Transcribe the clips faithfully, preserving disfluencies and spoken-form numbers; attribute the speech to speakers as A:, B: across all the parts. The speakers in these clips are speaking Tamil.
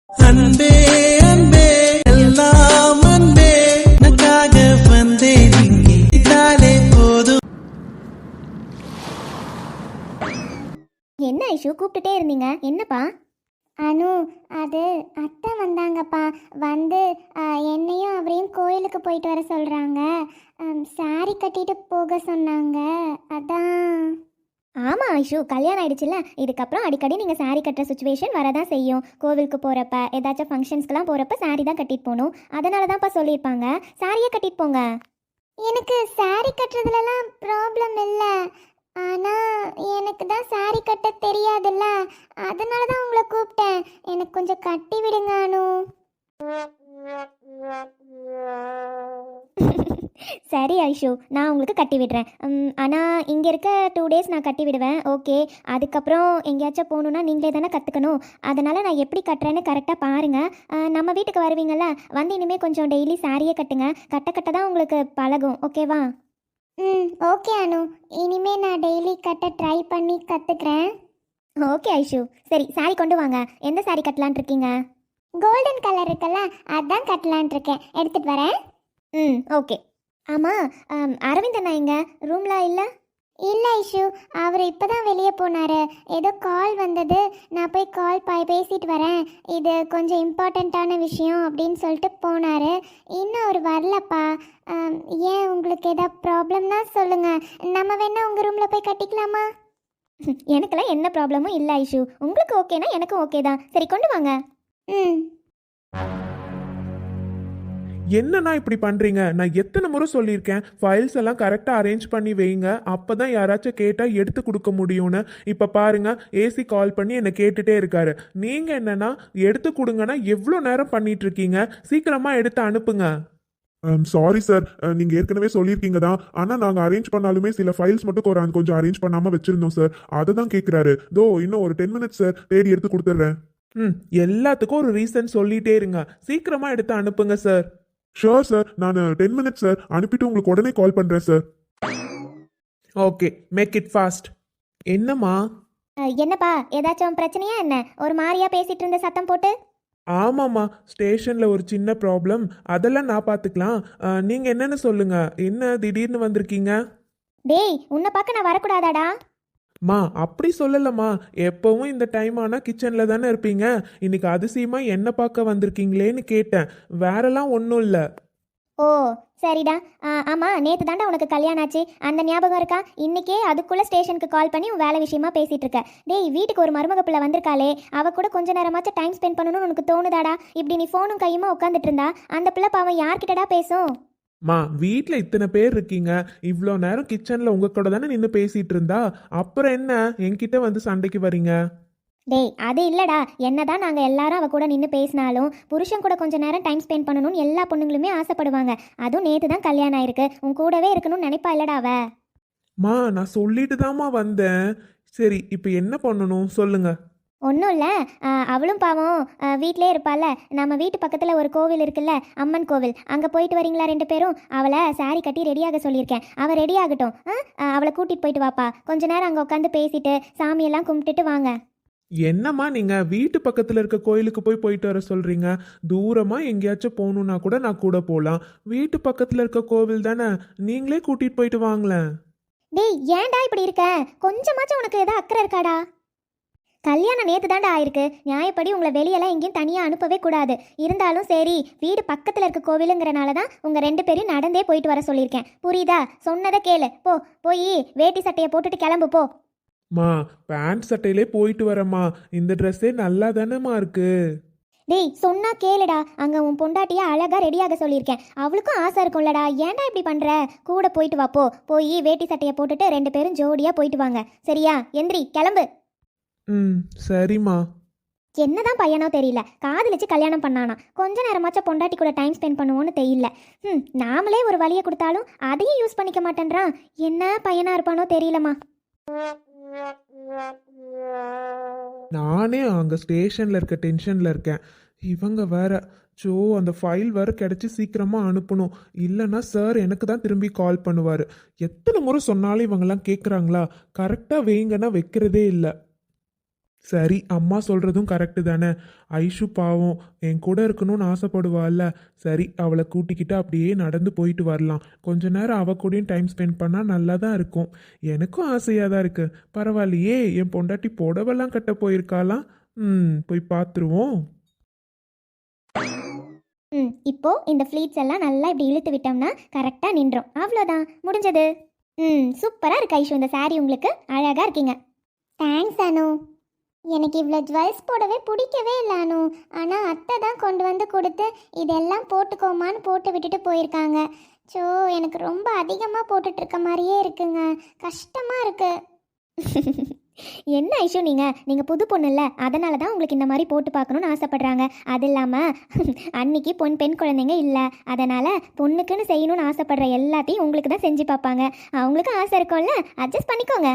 A: அன்பே அன்பே எல்லாம் அன்பே உனக்காக வந்தேன் இங்கே இதாலே போதும்.
B: என்ன ஐஷு கூப்பிட்டுட்டே இருந்தீங்க, என்னப்பா?
C: அனு, அது அத்தை வந்தாங்கப்பா. வந்து ஆ, என்னையும் அவரையும் கோயிலுக்கு போயிட்டு வர சொல்கிறாங்க. சாரி கட்டிட்டு போக சொன்னாங்க. அதான்.
B: ஆமாம் ஐஷு, கல்யாணம் ஆயிடுச்சுல்ல, இதுக்கப்புறம் அடிக்கடி நீங்கள் saree கட்டுற சுச்சுவேஷன் வரதான் செய்யும். கோவிலுக்கு போகிறப்ப ஏதாச்சும் ஃபங்க்ஷன்ஸ்க்கெலாம் போகிறப்ப saree தான் கட்டிட்டு போகணும். அதனால தான்ப்பா சொல்லியிருப்பாங்க, சாரியே கட்டிட்டு போங்க.
C: எனக்கு சாரி கட்டுறதுலலாம் ப்ராப்ளம் இல்லை. ஆனால் எனக்கு தான் சாரி கட்ட தெரியாதுல்ல, அதனால தான் உங்களை கூப்பிட்டேன். எனக்கு கொஞ்சம் கட்டி விடுங்க அனு.
B: சரி ஐஷு, நான் உங்களுக்கு கட்டி விடுறேன். ஆனால் இங்கே இருக்க டூ டேஸ் நான் கட்டி விடுவேன், ஓகே. அதுக்கப்புறம் எங்கேயாச்சும் போகணுன்னா நீங்களே தானே கற்றுக்கணும். அதனால் நான் எப்படி கட்டுறேன்னு கரெக்டாக பாருங்கள். நம்ம வீட்டுக்கு வருவீங்கள்ல, வந்து இனிமேல் கொஞ்சம் டெய்லி சாரியே கட்டுங்க. கட்ட கட்ட தான் உங்களுக்கு பழகும், ஓகேவா?
C: ம், ஓகே அனு. இனிமே நான் டெய்லி கட்ட ட்ரை பண்ணி கற்றுக்கிறேன்.
B: ஓகே ஐஷு, சரி சாரி கொண்டு வாங்க. எந்த சாரி கட்டலான் இருக்கீங்க?
C: கோல்டன் கலர் இருக்குல்ல, அதான் கட்டலான் இருக்கேன். எடுத்துகிட்டு வரேன்.
B: ம், ஓகே. ஆமாம், அரவிந்த் அண்ணா எங்க ரூமில் இல்லை?
C: இல்லை ஐஷு, அவர் இப்போ தான் வெளியே போனார். ஏதோ கால் வந்தது, நான் போய் கால் பா பேசிட்டு வரேன், இது கொஞ்சம் இம்பார்ட்டண்ட்டான விஷயம் அப்படின்னு சொல்லிட்டு போனார். இன்னும் அவர் வரலப்பா. ஆம், ஏன் உங்களுக்கு ஏதாவது ப்ராப்ளம்னா சொல்லுங்கள், நம்ம வேணா உங்கள் ரூமில் போய் கட்டிக்கலாமா?
B: எனக்கெல்லாம் என்ன ப்ராப்ளமும் இல்லை ஐஷு, உங்களுக்கு ஓகேனா எனக்கும் ஓகே தான். சரி கொண்டு வாங்க.
C: ம்.
D: என்னண்ணா இப்படி பண்ணுறீங்க? நான் எத்தனை முறை சொல்லியிருக்கேன், ஃபைல்ஸ் எல்லாம் கரெக்டாக அரேஞ்ச் பண்ணி வைங்க, அப்போ தான் யாராச்சும் கேட்டால் எடுத்து கொடுக்க முடியும்னு. இப்போ பாருங்க, ஏசி கால் பண்ணி என்னை கேட்டுட்டே இருக்காரு. நீங்கள் என்னன்னா எடுத்து கொடுங்கன்னா எவ்வளோ நேரம் பண்ணிட்டு இருக்கீங்க? சீக்கிரமாக எடுத்து அனுப்புங்க.
E: சாரி சார், நீங்கள் ஏற்கனவே சொல்லியிருக்கீங்க தான், ஆனால் நாங்கள் அரேஞ்ச் பண்ணாலுமே சில ஃபைல்ஸ் மட்டும் கொ- கொஞ்சம் அரேஞ்ச் பண்ணாமல் வச்சுருந்தோம் சார், அதை தான் கேட்குறாரு. தோ இன்னும் ஒரு டென் மினிட்ஸ் சார், தேடி எடுத்து கொடுத்துட்றேன்.
D: ம், எல்லாத்துக்கும் ஒரு ரீசன் சொல்லிட்டே இருங்க, சீக்கிரமாக எடுத்து அனுப்புங்க சார்.
E: ஷோர் சார், நான் டென் மினிட்ஸ் சார், அனுப்பிட்டு உங்களுக்கு உடனே கால் பண்ணுறேன் sir.
D: Okay, make it fast. என்னம்மா?
B: அஹ், என்னப்பா, ஏதாச்சும் பிரச்சனையா என்ன? ஒரு மாதிரியா பேசிட்டு இருந்த சத்தம் போட்டு.
D: ஆமாம்மா, ஸ்டேஷனில் ஒரு சின்ன ப்ராப்ளம், அதெல்லாம் நான் பார்த்துக்கலாம். நீங்கள் என்னன்னு சொல்லுங்க, என்ன திடீர்னு வந்திருக்கீங்க?
B: டேய், உன்னை பார்க்க நான் வரக்கூடாதாடா?
D: மா அப்படி சொல்லலம்மா, எப்பவும் இந்த டைம் ஆனால் கிச்சனில் தானே இருப்பீங்க, இன்னைக்கு அதிசயமா என்ன பார்க்க வந்திருக்கீங்களேன்னு கேட்டேன், வேறெல்லாம் ஒன்றும் இல்லை.
B: ஓ சரிடா. ஆ, ஆமாம், நேற்று தாண்டா உனக்கு கல்யாணம் ஆச்சு, அந்த ஞாபகம் இருக்கா? இன்னைக்கே அதுக்குள்ளே ஸ்டேஷனுக்கு கால் பண்ணி உன் வேலை விஷயமா பேசிகிட்டு இருக்க. டேய், வீட்டுக்கு ஒரு மருமக பிள்ளை வந்திருக்காளே, அவ கூட கொஞ்ச நேரமாச்சும் டைம் ஸ்பெண்ட் பண்ணணும்னு உனக்கு தோணுதாடா? இப்படி நீ ஃபோனும் கையுமா உட்காந்துட்டு இருந்தா அந்த பிள்ளை பாவம் யார்கிட்டடா பேசும்?
D: மா வீட்டில் இத்தனை பேர் இருக்கீங்க, இவ்வளோ நேரம் கிச்சனில் உங்கள் கூட தானே நின்று பேசிகிட்டு இருந்தா, அப்புறம் என்ன என்கிட்ட வந்து சண்டைக்கு வரீங்க?
B: டேய், அது இல்லடா, என்னதான் நாங்கள் எல்லாரும் அவ கூட நின்று பேசினாலும் புருஷன் கூட கொஞ்ச நேரம் டைம் ஸ்பெண்ட் பண்ணணும்னு எல்லா பொண்ணுங்களுமே ஆசைப்படுவாங்க. அதுவும் நேற்று தான் கல்யாணம் ஆயிருக்கு, உன் கூடவே இருக்கணும்னு நினைப்பா இல்லடா அவ?
D: மா நான் சொல்லிட்டு தாம்மா வந்தேன். சரி, இப்போ என்ன பண்ணணும் சொல்லுங்க.
B: ஒன்றும் இல்லை, அவளும் பாவம் வீட்டிலே இருப்பாள்ல, நம்ம வீட்டு பக்கத்தில் ஒரு கோவில் இருக்குல்ல, அம்மன் கோவில், அங்கே போயிட்டு வரீங்களா ரெண்டு பேரும்? அவளை saree கட்டி ரெடியாக சொல்லியிருக்கேன், அவள் ரெடி ஆகட்டும். ஆ, அவளை கூட்டிகிட்டு போயிட்டு வாப்பா, கொஞ்ச நேரம் அங்கே உட்காந்து பேசிட்டு சாமியெல்லாம் கும்பிட்டுட்டு வாங்க.
D: என்னம்மா நீங்கள் வீட்டு பக்கத்தில் இருக்க கோயிலுக்கு போய் போயிட்டு வர சொல்கிறீங்க? தூரமாக எங்கேயாச்சும் போகணுன்னா கூட நான் கூட போகலாம், வீட்டு பக்கத்தில் இருக்க கோவில் தானே, நீங்களே கூட்டிகிட்டு போயிட்டு வாங்களேன்.
B: டேய், ஏன்டா இப்படி இருக்க? கொஞ்சமாச்சும் உனக்கு ஏதோ அக்கறை இருக்காடா? கல்யாணம் நேற்று தாண்டா ஆயிருக்கு, நியாயப்படி உங்களை வெளியெல்லாம் எங்கேயும் தனியாக அனுப்பவே கூடாது. இருந்தாலும் சரி, வீடு பக்கத்தில் இருக்க கோவிலுங்கிறனால தான் உங்கள் ரெண்டு பேரும் நடந்தே போயிட்டு வர சொல்லியிருக்கேன், புரியுதா? சொன்னதை கேளு, போ, போய் வேட்டி சட்டையை போட்டுட்டு கிளம்பு போ.
D: மா பேண்ட் சட்டையிலே போயிட்டு வரேம்மா, இந்த ட்ரெஸ்ஸே நல்லா தானேம்மா இருக்கு.
B: டேய், சொன்னா கேளுடா, அங்கே உன் பொண்டாட்டியா அழகாக ரெடியாக சொல்லியிருக்கேன், அவளுக்கும் ஆசை இருக்கும்லடா, ஏன்டா இப்படி பண்ணுற? கூட போயிட்டு வா, போ, போய் வேட்டி சட்டையை போட்டுட்டு ரெண்டு பேரும் ஜோடியாக போயிட்டு வாங்க, சரியா? எந்திரி, கிளம்பு.
D: ம், சரிம்மா.
B: என்னதான் பையனோ தெரியல, காதலிச்சு கல்யாணம் பண்ணானா, கொஞ்ச நேரமாச்சும் பொண்டாட்டி கூட டைம் ஸ்பெண்ட் பண்ணுவோன்னு தெரியல. ம், நாமளே ஒரு வழியை கொடுத்தாலும் அதையும் யூஸ் பண்ணிக்க மாட்டேன்றான், என்ன பையனா இருப்பானோ தெரியலம்மா.
D: நானே அங்கே ஸ்டேஷனில் இருக்க டென்ஷனில் இருக்கேன், இவங்க வேற ஸோ அந்த ஃபைல் வேறு கிடச்சி சீக்கிரமாக அனுப்பணும், இல்லைன்னா சார் எனக்கு தான் திரும்பி கால் பண்ணுவார். எத்தனை முறை சொன்னாலும் இவங்கெல்லாம் கேட்குறாங்களா? கரெக்டாக வைங்கன்னா வைக்கிறதே இல்லை. சரி, அம்மா சொல்றதும் கரெக்டு தானே. ஐஷு பாவம் என் கூட இருக்கணும்னு ஆசைப்படுவாள்ல. சரி, அவளை கூட்டிக்கிட்டு அப்படியே நடந்து போயிட்டு வரலாம். கொஞ்ச நேரம் அவ கூடயும் டைம் ஸ்பெண்ட் பண்ணா நல்லா தான் இருக்கும். எனக்கும் ஆசையாக தான் இருக்கு. பரவாயில்லையே, என் பொண்டாட்டி புடவெல்லாம் கட்ட போயிருக்காளாம். ம் போய் பார்த்துருவோம்.
B: ம் இப்போ இந்த ஃப்ளீட்ஸ் எல்லாம் நல்லா இப்படி இழுத்து விட்டோம்னா கரெக்டாக நின்றோம். அவ்வளோதான், முடிஞ்சது. ம் சூப்பராக இருக்கு ஐஷு, இந்த saree உங்களுக்கு அழகாக இருக்கீங்க.
C: தேங்க்ஸ் அனு. எனக்கு இவ்வளோ ஜுவல்ஸ் போடவே பிடிக்கவே இல்லை அனு. ஆனால் அத்தை தான் கொண்டு வந்து கொடுத்து இதெல்லாம் போட்டுக்கோமான்னு போட்டு விட்டுட்டு போயிருக்காங்க. ஸோ எனக்கு ரொம்ப அதிகமாக போட்டுட்டு இருக்க மாதிரியே இருக்குங்க, கஷ்டமாக இருக்கு.
B: என்ன ஐஷு நீங்கள் நீங்கள் புது பொண்ணு இல்லை, அதனால தான் உங்களுக்கு இந்த மாதிரி போட்டு பார்க்கணுன்னு ஆசைப்படுறாங்க. அது இல்லாமல் அன்னைக்கு பொன் பெண் குழந்தைங்க இல்லை, அதனால் பொண்ணுக்குன்னு செய்யணும்னு ஆசைப்படுற எல்லாத்தையும் உங்களுக்கு தான் செஞ்சு பார்ப்பாங்க. அவங்களுக்கு ஆசை இருக்கும்ல, அட்ஜஸ்ட் பண்ணிக்கோங்க.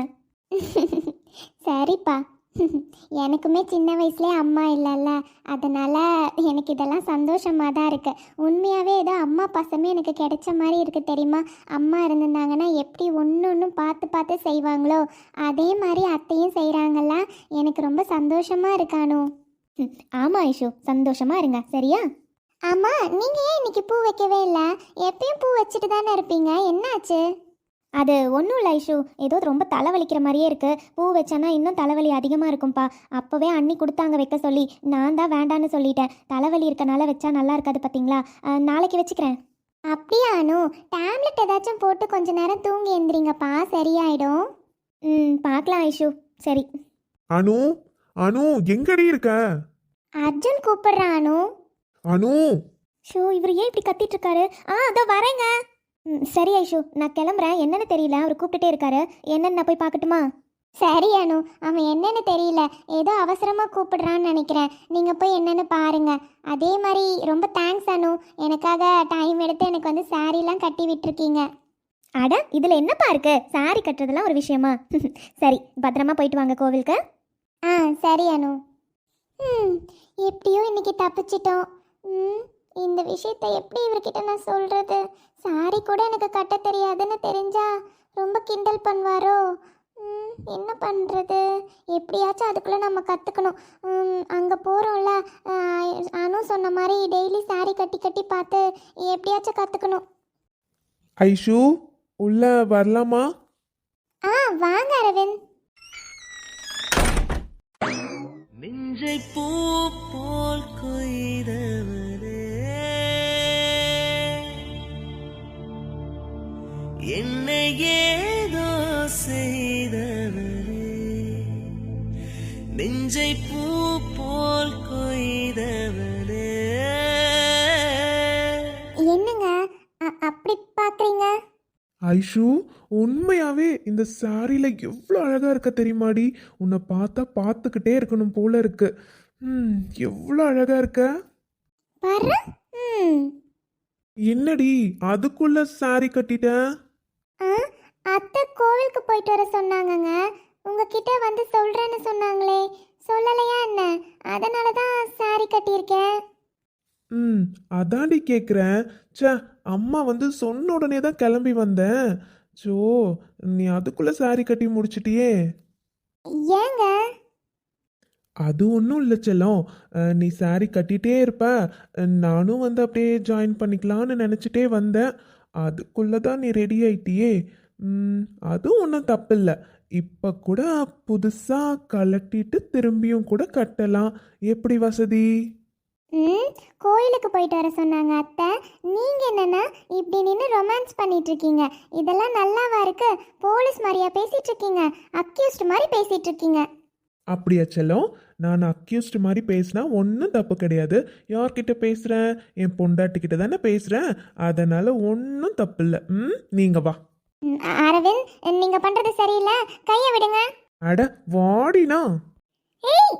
C: சரிப்பா. எனக்குமே சின்ன வயசுலேயே அம்மா இல்லைல்ல, அதனால் எனக்கு இதெல்லாம் சந்தோஷமாக தான் இருக்குது. உண்மையாகவே ஏதோ அம்மா பாசமே எனக்கு கிடைச்ச மாதிரி இருக்குது தெரியுமா. அம்மா இருந்திருந்தாங்கன்னா எப்படி ஒன்று ஒன்றும் பார்த்து பார்த்து செய்வாங்களோ அதே மாதிரி அத்தையும் செய்கிறாங்கல்ல, எனக்கு ரொம்ப சந்தோஷமாக இருக்கானோ.
B: ஆமாம் ஐஷு, சந்தோஷமாக இருங்க சரியா.
C: ஆமாம், நீங்கள் ஏன் இன்னைக்கு பூ வைக்கவே இல்லை? எப்பயும் பூ வச்சுட்டு தானே இருப்பீங்க, என்னாச்சு?
B: அது ஒன்றும் இல்லை ஐஷு, ஏதோ ரொம்ப தலைவலிக்கிற மாதிரியே இருக்குது. பூ வச்சேன்னா இன்னும் தலைவலி அதிகமாக இருக்கும்ப்பா. அப்போவே அண்ணி கொடுத்தாங்க வைக்க சொல்லி, நான் தான் வேண்டான்னு சொல்லிட்டேன். தலைவலி இருக்கனால வச்சா நல்லா இருக்காது பார்த்தீங்களா. நாளைக்கு வச்சுக்கிறேன்.
C: அப்படியா அனு? டேப்லெட் ஏதாச்சும் போட்டு கொஞ்ச நேரம் தூங்கி எழுந்திரிங்கப்பா, சரியாயிடும்.
B: ம் பார்க்கலாம் ஐஷு, சரி.
D: அனு, அனு எங்கடி இருக்க?
C: அர்ஜுன் கூப்பிடுறான் அனு.
D: அனு,
B: ஷோ இவர் ஏன் இப்படி கத்திட்டு இருக்காரு? ஆ அதோ வரேங்க. ம் சரி ஐஷு, நான் கிளம்புறேன். என்னன்னு தெரியல, அவர் கூப்பிட்டுட்டே இருக்காரு. என்னன்னு நான் போய் பார்க்கட்டுமா?
C: சரி அனு, அவன் என்னன்னு தெரியல, ஏதோ அவசரமாக கூப்பிடுறான்னு நினைக்கிறேன். நீங்கள் போய் என்னன்னு பாருங்க. அதே மாதிரி ரொம்ப தேங்க்ஸ் அனு, எனக்காக டைம் எடுத்து எனக்கு வந்து சாரீலாம் கட்டி விட்டுருக்கீங்க.
B: அட இதில் என்னப்பா இருக்கு, சாரி கட்டுறதுலாம் ஒரு விஷயமா? சரி, பத்திரமா போயிட்டு வாங்க கோவிலுக்கு.
C: ஆ சரி அனு. ம் எப்படியோ இன்னைக்கு தப்பிச்சிட்டோம். ம் இந்த விஷயத்தை எப்படி இவர்கிட்ட நான் சொல்கிறது? சாரி கூட எனக்கு கட்ட தெரியாதுன்னு தெரிஞ்சா ரொம்ப கிண்டல் பண்ணுவாரோ. ம் என்ன பண்ணுறது? எப்படியாச்சும் அதுக்குள்ளே நம்ம கற்றுக்கணும். அங்கே போகிறோம்ல, அனு சொன்ன மாதிரி டெய்லி சாரி கட்டி கட்டி பார்த்து எப்படியாச்சும் கற்றுக்கணும்.
D: ஐஷு உள்ள வரலாமா?
C: ஆ வாங்க அரவிந்த்.
A: நெஞ்சை பூ போல் கொய்தவரே, என்னை ஏதோ செய்தவரே, நெஞ்சை பூ போல் கொய்தவரே.
C: என்னங்க அ- அப்படி பார்க்குறீங்க?
D: ஐஷு, உண்மையாவே இந்த சாரியில எவ்வளோ அழகா இருக்க தெரியுமாடி? உன்னை பார்த்தா பார்த்துக்கிட்டே இருக்கணும் போல இருக்கு. ம் எவ்வளோ அழகா இருக்க.
C: பாரு. ம்
D: என்னடி அதுக்குள்ள சாரி கட்டிட்ட?
C: ஆ அத்தை கோவிலுக்கு போயிட்டு வர சொன்னாங்கங்க. உங்ககிட்ட வந்து சொல்கிறேன்னு சொன்னாங்களே, சொல்லலையா என்ன? அதனால தான் சாரி கட்டியிருக்கேன்.
D: ம் அதாண்டி கேட்குறேன். ச்சே, அம்மா வந்து சொன்ன உடனே தான் கிளம்பி வந்தேன். ஜோ, நீ அதுக்குள்ள சாரி கட்டி முடிச்சிட்டியே.
C: ஏங்க?
D: அது ஒன்றும் இல்லை செல்லம். அஹ், நீ சாரி கட்டிகிட்டே இருப்ப, அஹ், நானும் வந்து அப்படியே ஜாயின் பண்ணிக்கலான்னு நினச்சிட்டே வந்தேன். அதுக்குள்ளே தான் நீ ரெடி ஆயிட்டியே. ம், அதுவும் ஒன்றும் தப்பில்லை. இப்போ கூட புதுசாக கலட்டிட்டு திரும்பியும் கூட கட்டலாம். எப்படி வசதி?
C: ம் கோயிலுக்கு போயிட்டு வர சொன்னாங்க அத்தை. நீங்கள் என்னென்னா இப்படி நின்று ரொமான்ஸ் பண்ணிட்டு இருக்கீங்க? இதெல்லாம் நல்லாவா இருக்கு? போலீஸ் மாதிரியா பேசிட்டு இருக்கீங்க? அக்யூஸ்ட் மாதிரி பேசிட்டு இருக்கீங்க.
D: அப்படியா செல்லம்? நான் அக்யூஸ்ட் மாதிரி பேசினா ஒன்றும் தப்பு கிடையாது. யார்கிட்ட பேசுகிறேன்? என் பொண்டாட்டிக்கிட்ட தானே பேசுகிறேன். அதனால் ஒன்றும் தப்பு இல்லை. ம் நீங்கள் வா.
C: ம், அரவிந்த், நீங்கள் பண்ணுறது சரியில்லை, கையை விடுங்க.
D: அட வாடினா.
C: ஏய்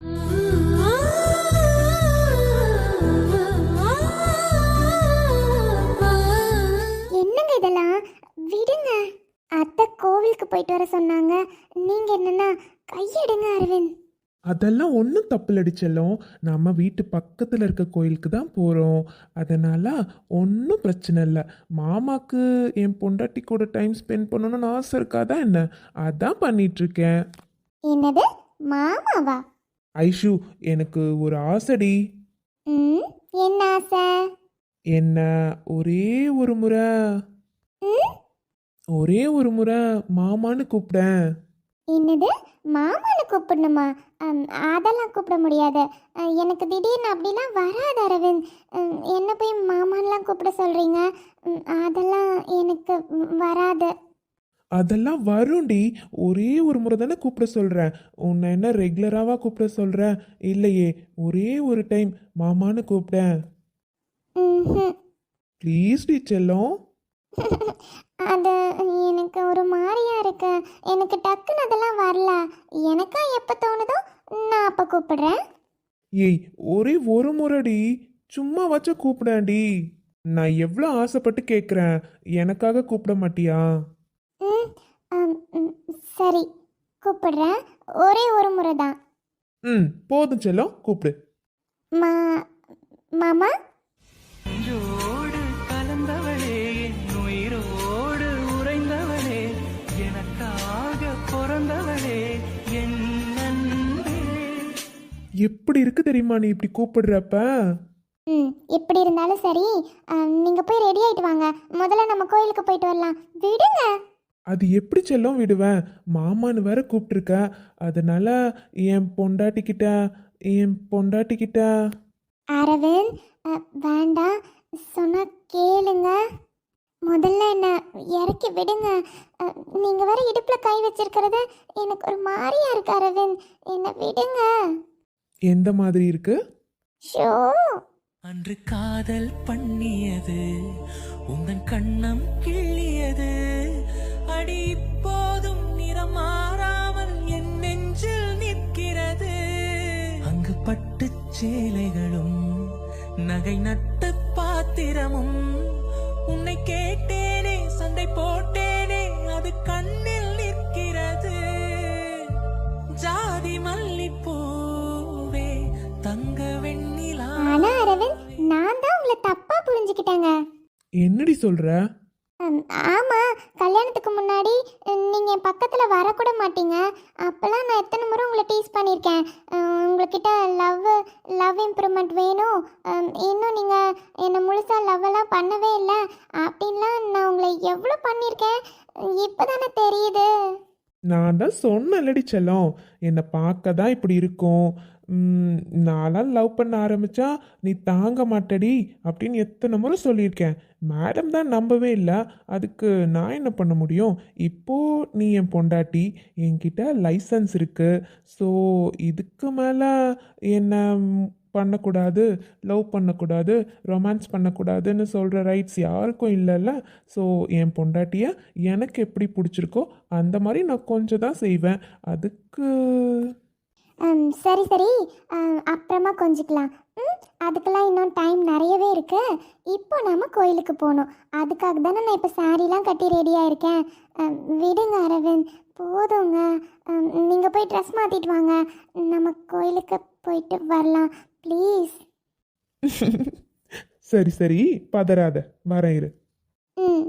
C: என்னங்க இதெல்லாம்? விடுங்க. அத்தை கோவிலுக்கு போயிட்டு வர சொன்னாங்க, நீங்க என்னன்னா கையெடுங்க அரவிந்த்.
D: அதெல்லாம் ஒன்றும் தப்பில்லடி செல்லம். நம்ம வீட்டு பக்கத்தில் இருக்க கோயிலுக்கு தான் போகிறோம். அதனால் ஒன்றும் பிரச்சனை இல்லை. மாமாக்கு என் பொண்டாட்டி கூட டைம் ஸ்பெண்ட் பண்ணணும்னு ஆசை இருக்காதா என்ன? அதான் பண்ணிகிட்ருக்கேன்.
C: என்னது மாமாவா?
D: ஐஷு, எனக்கு ஒரு ஆசைடி.
C: ம் என்ன ஆசை?
D: என்ன ஒரே ஒரு முறை
C: ம்
D: ஒரே ஒரு முறை மாமான்னு கூப்பிட்டேன்.
C: என்னது, மாமான்னு கூப்பிடணுமா? அம், அதெல்லாம் கூப்பிட முடியாது. அ, எனக்கு திடீர்னு அப்படிலாம் வராது அரவிந்த். ம், என்ன போய் மாமான்லாம் கூப்பிட சொல்கிறீங்க? அதெல்லாம் எனக்கு ம், வராது.
D: அதெல்லாம் வரும்டி. ஒரே ஒரு முறை தானே கூப்பிட சொல்கிறேன். உன்னை என்ன ரெகுலராவா கூப்பிட சொல்கிறேன்? இல்லையே, ஒரே ஒரு டைம் மாமான்னு கூப்பிட்டேன்.
C: ம்ஹும்.
D: ப்ளீஸ் டி செல்லம்.
C: அது எனக்கு ஒரு மாதிரியா இருக்கு. எனக்கு டக்குன்னு அதெல்லாம் வரல. எனக்கா எப்போ தோணுதோ நான் அப்போ கூப்பிடுறேன்.
D: ஏய், ஒரே ஒரு முறைடி, சும்மா வச்ச கூப்பிடேன்டி. நான் எவ்வளோ ஆசைப்பட்டு கேட்குறேன், எனக்காக கூப்பிட மாட்டியா?
C: ம் அம், ம், சரி கூப்பிடுறேன். ஒரே ஒரு முறை தான்.
D: ம், போதும் செல்லம், கூப்பிடு.
C: மா மாமா.
A: நெஞ்சோடு கலந்தவளே, என் உயிரோடு உறைந்தவளே, எனக்காக பிறந்தவளே, என் அன்பே.
D: எப்படி இருக்கு தெரியுமா நீ இப்படி கூப்பிடுறப்ப?
C: ம் எப்படி இருந்தாலும் சரி, நீங்கள் போய் ரெடி ஆகிட்டு வாங்க. முதல்ல நம்ம கோயிலுக்கு போயிட்டு வரலாம். விடுங்க.
D: அது எப்படி செல்லம் விடுவேன்? மாமான்னு வேற கூப்பிட்டுருக்க. அதனால என் பொண்டாட்டிக்கிட்ட என் பொண்டாட்டிக்கிட்ட
C: அரவிந்த், அ, வேண்டாம் சொன்னா கேளுங்க. முதல்ல என்ன இறக்கி விடுங்க. நீங்கள் வேற இடுப்பில் கை வச்சிருக்கிறது எனக்கு ஒரு மாதிரியா இருக்கு அரவிந்த். என்னை விடுங்க.
D: எந்த மாதிரி இருக்கு?
C: ஷோ.
A: அன்று காதல் பண்ணியது உந்தன் கண்ணம் கிள்ளியது, அடி இப்போதும் நிறம் மாறாமல் என் நெஞ்சில் நிற்கிறது. அங்கு பட்டு சேலைகளும் நகை நட்டு பாத்திரமும், உன்னை கேட்டேனே சண்டை போட்டேனே அது கண்ணில் நிற்கிறது. ஜாதி மல்லிப்பூவே தங்க வெண்ணிலா.
C: ஆனா அரவிந்த், நான் தான் உங்களை தப்பாக புரிஞ்சுக்கிட்டேங்க.
D: என்னடி சொல்ற?
C: ம், ஆமா, கல்யாணத்துக்கு முன்னாடி ம், நீங்க என் பக்கத்துல வரக்கூட மாட்டீங்க. அப்பெல்லாம் நான் எத்தனை முறை உங்களை டீஸ் பண்ணியிருக்கேன். ம், உங்ககிட்ட லவ் லவ் இம்ப்ரூவ்மெண்ட் வேணும், ம், இன்னும் நீங்க என்னை முழுசா லவ் எல்லாம் பண்ணவே இல்லை அப்படின்லாம் நான் உங்களை எவ்வளோ பண்ணியிருக்கேன். இப்போதானே தெரியுது.
D: நான் தான் சொன்னேன்லடி செல்லம், என்னை பார்க்க தான் இப்படி இருக்கும். ம், நான்லாம் லவ் பண்ண ஆரம்பிச்சா நீ தாங்க மாட்டடி அப்படின்னு எத்தனை முறை சொல்லியிருக்கேன். மேடம் தான் நம்பவே இல்லை. அதுக்கு நான் என்ன பண்ண முடியும்? இப்போ நீ என் பொண்டாட்டி, என்கிட்ட லைசன்ஸ் இருக்கு. ஸோ இதுக்கு மேலே என்ன ம், பண்ணக்கூடாது, லவ் பண்ணக்கூடாது, ரொமான்ஸ் பண்ணக்கூடாதுன்னு சொல்கிற ரைட்ஸ் யாருக்கும் இல்லைல்ல. ஸோ என் பொண்டாட்டியை எனக்கு எப்படி பிடிச்சிருக்கோ அந்த மாதிரி நான் கொஞ்சம் தான் செய்வேன். அதுக்கு
C: ம், சரி சரி, ம், அப்புறமா கொஞ்சிக்கலாம். ம் அதுக்கெல்லாம் இன்னும் டைம் நிறையவே இருக்கு. இப்போ நாம கோயிலுக்கு போகணும். அதுக்காக தானே நான் இப்போ சாரீலாம் கட்டி ரெடியாக இருக்கேன். ம், விடுங்க அரவிந்த், போதுங்க. ம், நீங்கள் போய் ட்ரெஸ் மாற்றிட்டு வாங்க. நம்ம கோயிலுக்கு போயிட்டு வரலாம் ப்ளீஸ்.
D: சரி சரி, பதறாத, வரேன் இரு.
C: ம்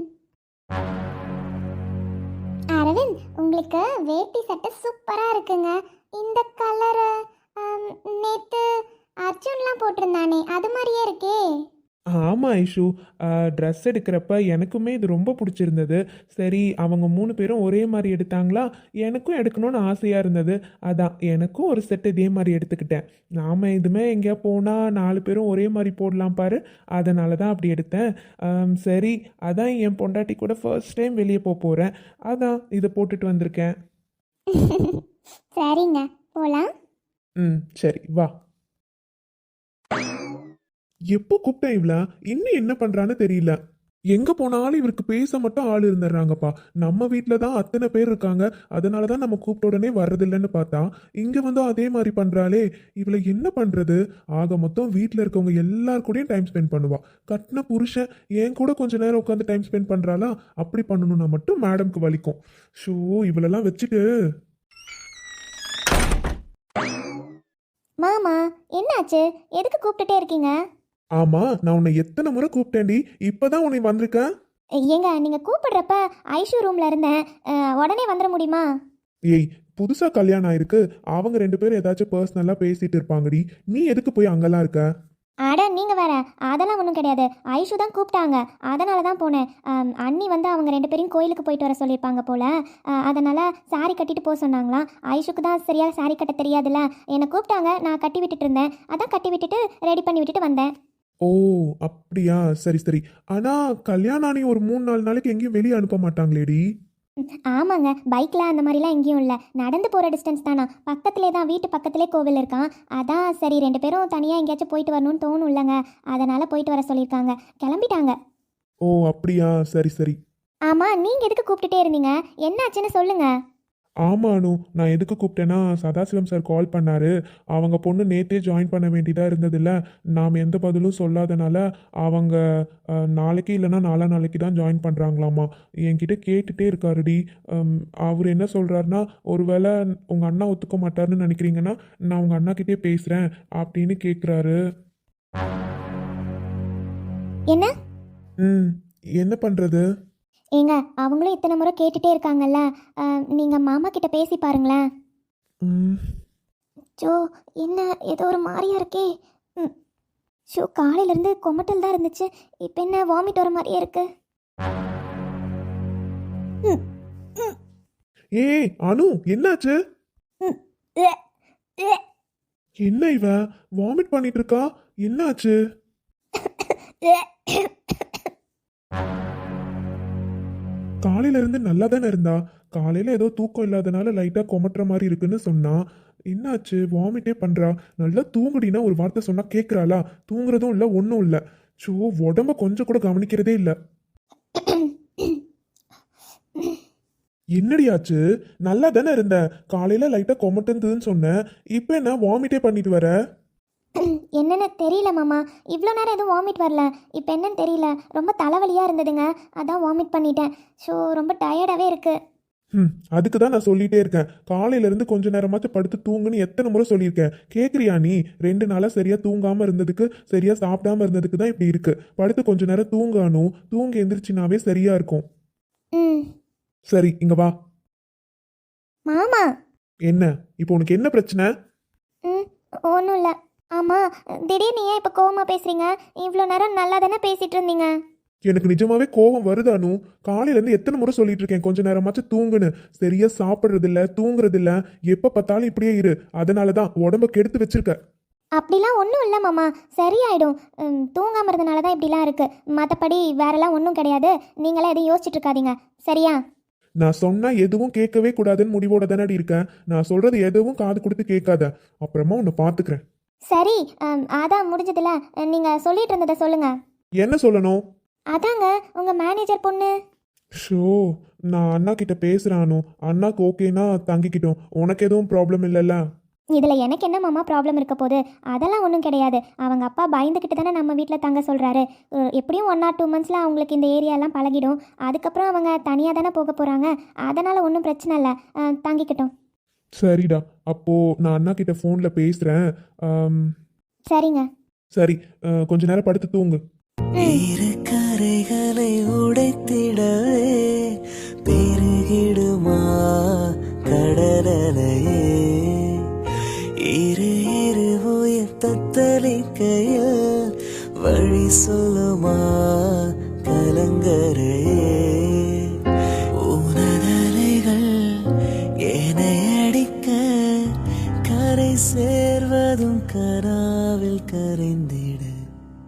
C: அரவிந்த், உங்களுக்கு வேட்டி சட்டை சூப்பராக இருக்குங்க. இந்த கலரு நேற்று அர்ஜுன்லாம் போட்டிருந்தானே அது மாதிரியே இருக்கே.
D: ஆமாம் ஐஷு, ட்ரெஸ் எடுக்கிறப்ப எனக்குமே இது ரொம்ப பிடிச்சிருந்தது. சரி, அவங்க மூணு பேரும் ஒரே மாதிரி எடுத்தாங்களா, எனக்கும் எடுக்கணும்னு ஆசையாக இருந்தது. அதான் எனக்கும் ஒரு செட் இதே மாதிரி எடுத்துக்கிட்டேன். நாம் இதுமே எங்கேயா போனால் நாலு பேரும் ஒரே மாதிரி போடலாம் பாரு, அதனால தான் அப்படி எடுத்தேன். ஆம், சரி, அதான் என் பொண்டாட்டி கூட ஃபர்ஸ்ட் டைம் வெளியே போக போகிறேன். அதான் இதை போட்டுட்டு வந்திருக்கேன்.
C: சரிங்க, போகலாம்.
D: ம், சரி வா. எப்போ கூப்பிட்டேன் இவள, இன்னும் என்ன பண்றான்னு தெரியல. எங்க போனாலும் இவருக்கு பேச மட்டும் ஆள் இருந்துடுறாங்கப்பா. நம்ம வீட்டில தான் அத்தனை பேர் இருக்காங்க, அதனால தான் நம்ம கூப்பிட்ட உடனே வர்றதில்லைன்னு பார்த்தா இங்க வந்து அதே மாதிரி பண்றாளே. இவளை என்ன பண்றது? ஆக மொத்தம் வீட்டில் இருக்கவங்க எல்லார் கூடயும் டைம் ஸ்பெண்ட் பண்ணுவா. கட்டின புருஷன் என் கூட கொஞ்ச நேரம் உட்காந்து டைம் ஸ்பெண்ட் பண்றாளா? அப்படி பண்ணணும்னா மட்டும் மேடம்க்கு வலிக்கும். ஷோ, இவளெல்லாம் வச்சுட்டு.
B: மாமா, என்னாச்சு? எதுக்கு கூப்பிட்டுட்டே இருக்கீங்க?
D: ஆமா, நான் உன்னை எத்தனை முறை கூப்பிட்டேன்டி, இப்பதான் உன்னை வந்திருக்கேன்.
B: ஏங்க, நீங்கள் கூப்பிடுறப்ப ஐஷு ரூமில் இருந்தேன். அஹ், உடனே வந்துட முடியுமா?
D: ஏய்,
E: புதுசா கல்யாணம் ஆயிருக்கு, அவங்க ரெண்டு பேரும் ஏதாச்சும் பர்சனலா பேசிட்டு இருப்பாங்கடி. நீ எதுக்கு போய் அங்கெல்லாம் இருக்க?
B: அட நீங்கள் வேற, அதெல்லாம் ஒன்றும் கிடையாது. ஐஷு தான் கூப்பிட்டாங்க, அதனால தான் போனேன். ஆம், அண்ணி வந்து அவங்க ரெண்டு பேரையும் கோயிலுக்கு போயிட்டு வர சொல்லியிருப்பாங்க போல், அதனால் சாரி கட்டிட்டு போக சொன்னாங்களாம். ஐஷுக்கு தான் சரியாக சாரி கட்ட தெரியாதுல்ல, என்னை கூப்பிட்டாங்க, நான் கட்டி விட்டுட்டு இருந்தேன். அதான் கட்டி விட்டுட்டு ரெடி பண்ணி விட்டுட்டு வந்தேன்.
E: ஓ அப்படியா, சரி சரி. ஆனா கல்யாணம் ஆனி ஒரு மூணு நாலு நாளைக்கு எங்கேயும் வெளியே அனுப்ப மாட்டாங்களேடி?
B: ஆமாங்க, பைக்கில் அந்த மாதிரிலாம் எங்கேயும் இல்லை, நடந்து போகிற டிஸ்டன்ஸ் தானா, பக்கத்துலேயே தான், வீட்டு பக்கத்துலேயே கோவில் இருக்கான். அதான் சரி ரெண்டு பேரும் தனியாக எங்கேயாச்சும் போயிட்டு வரணும்னு தோணும் இல்லைங்க, அதனால் போயிட்டு வர சொல்லியிருக்காங்க. கிளம்பிட்டாங்க.
E: ஓ அப்படியா, சரி சரி.
B: ஆமாம், நீங்கள் எதுக்கு கூப்பிட்டுட்டே இருந்தீங்க, என்னாச்சுன்னு சொல்லுங்கள்.
E: ஆமா அனு, நான் எதுக்கு கூப்பிட்டேன்னா சதாசிவம் சார் கால் பண்ணாரு. அவங்க பொண்ணு நேத்தே ஜாயின் பண்ண வேண்டியதா இருந்ததில்ல, நாம் எந்த பதிலும் சொல்லாதனால அவங்க அஹ், நாளைக்கு இல்லைன்னா நாலா நாளைக்கு தான் ஜாயின் பண்ணுறாங்களாமா. என்கிட்ட கேட்டுட்டே இருக்காருடி. அம், அவர் என்ன சொல்கிறாருன்னா, ஒருவேளை உங்கள் அண்ணா ஒத்துக்க மாட்டாருன்னு நினைக்கிறீங்கன்னா நான் உங்கள் அண்ணாக்கிட்டே பேசுகிறேன் அப்படின்னு கேட்குறாரு.
B: என்ன?
E: ம் என்ன பண்ணுறது?
B: ஏங்க, அவங்களும் இத்தனை முறை கேட்டுட்டே இருக்காங்கல்ல, நீங்கள் மாமா கிட்ட பேசி பாருங்களேன்.
E: ம்
B: ஜோ, என்ன ஏதோ ஒரு மாதிரியா இருக்கே. ம் ஷோ, காலையிலேருந்து கொமட்டல் தான் இருந்துச்சு, இப்போ என்ன வாமிட் வர மாதிரியே இருக்கு. ம், ம்,
E: ஏய் அனு, என்னாச்சு?
B: ம், உ, உ,
E: என்ன இவ வாமிட் பண்ணிட்டு இருக்கா? என்னாச்சு?
B: உ.
E: காலையில இருந்து நல்லா தானே இருந்தா. காலையில ஏதோ தூக்கம் இல்லாதனால லைட்டா கொமட்டுற மாதிரி இருக்குன்னு சொன்னா. என்னாச்சு? வாமிட்டே பண்றா. நல்லா தூங்குடினா ஒரு வார்த்தை சொன்னா கேட்கறாளா? தூங்குறதும் இல்ல, ஒன்றும் இல்ல. ஸோ உடம்ப கொஞ்சம் கூட கவனிக்கிறதே இல்ல. என்னடியாச்சு? நல்லா தானே இருந்த. காலையில லைட்டா கொமட்டுதுன்னு சொன்னேன், இப்போ என்ன வாமிட்டே பண்ணிட்டு வர?
B: என்னன்னு தெரியல மாமா, இவ்வளோ நேரம் எதுவும் வாமிட் வரல, இப்போ என்னன்னு தெரியல, ரொம்ப தலைவலியாக இருந்ததுங்க, அதான் வாமிட் பண்ணிட்டேன். ஸோ ரொம்ப டயர்டாகவே இருக்கு.
E: ம் அதுக்கு தான் நான் சொல்லிட்டே இருக்கேன், காலையில இருந்து கொஞ்ச நேரமாச்சும் படுத்து தூங்குன்னு எத்தனை முறை சொல்லியிருக்கேன். கேட்குறியா நீ? ரெண்டு நாளாக சரியா தூங்காம இருந்ததுக்கு, சரியா சாப்பிடாம இருந்ததுக்கு தான் இப்படி இருக்கு. படுத்து கொஞ்ச நேரம் தூங்கணும், தூங்கி எந்திரிச்சினாவே சரியா இருக்கும்.
B: ம்
E: சரி இங்க வா.
B: மாமா.
E: என்ன இப்போ உனக்கு என்ன பிரச்சனை?
B: ம் ஒன்றும் இல்லை. ஆமாம், திடீர்னு ஏன் இப்போ கோவமாக பேசுகிறீங்க? இவ்வளோ நேரம் நல்லா தானே பேசிகிட்டு இருந்தீங்க.
E: எனக்கு நிஜமாவே கோபம் வருதானு? காலையில இருந்து எத்தனை முறை சொல்லிட்டு இருக்கேன் கொஞ்ச நேரமாச்சும் தூங்குன்னு. சரியா சாப்பிட்றது இல்ல, தூங்குறது இல்ல, எப்ப பார்த்தாலும் இப்படியே இரு. அதனாலதான் உடம்ப கெடுத்து வச்சிருக்க.
B: அப்படிலாம் ஒன்றும் இல்லை மாமா, சரியாயிடும். ம், தூங்காம இருந்தனால தான் இப்படிலாம் இருக்குது, மற்றபடி வேறெல்லாம் ஒன்றும் கிடையாது. நீங்களாம் எதுவும் யோசிச்சுட்டு இருக்காதீங்க, சரியா?
E: நான் சொன்னா எதுவும் கேட்கவே கூடாதுன்னு முடிவோட தானடி இருக்கேன். நான் சொல்றது எதுவும் காது கொடுத்து கேட்காத. அப்புறமா உன்னை பாத்துக்கிறேன்.
B: சரி, ம், அதான் முடிஞ்சதில்ல, நீங்கள் சொல்லிட்டு இருந்ததை சொல்லுங்கள்.
E: என்ன சொல்லணும்?
B: அதாங்க உங்கள் மேனேஜர் பொண்ணு.
E: ஷோ, நான் அண்ணா கிட்ட பேசுறானு. அண்ணாக்கு ஓகேனா தங்கிக்கிட்டோம். உனக்கு எதுவும் ப்ராப்ளம் இல்லைல்ல?
B: இதில் எனக்கு என்ன மாமா ப்ராப்ளம் இருக்க போகுது? அதெல்லாம் ஒன்றும் கிடையாது. அவங்க அப்பா பயந்துக்கிட்டு தானே நம்ம வீட்டில் தங்க சொல்கிறாரு. எப்படியும் ஒன் ஆர் டூ மந்த்ஸில் அவங்களுக்கு இந்த ஏரியாலாம் பழகிடும். அதுக்கப்புறம் அவங்க தனியாக தானே போக போகிறாங்க. அதனால் ஒன்றும் பிரச்சனை இல்லை, தங்கிக்கிட்டோம்.
E: சரிடா, அப்போ நான் அண்ணா கிட்ட ஃபோன்ல பேசுறேன். ஆம்,
B: சரிங்க.
E: சரி, அஹ், கொஞ்ச நேரம் படுத்து தூங்கு.
A: இரு கரைகளை உடைத்திடவே பெருகிடுமா கடலையே, இரு இரு உயிர் தத்தளிக்கையில் வழி சொல்லுமா கலங்கரையே, உனதலைகள் என்னை அடிக்க கரை சேர்வதும் கராவில் கரைந்திட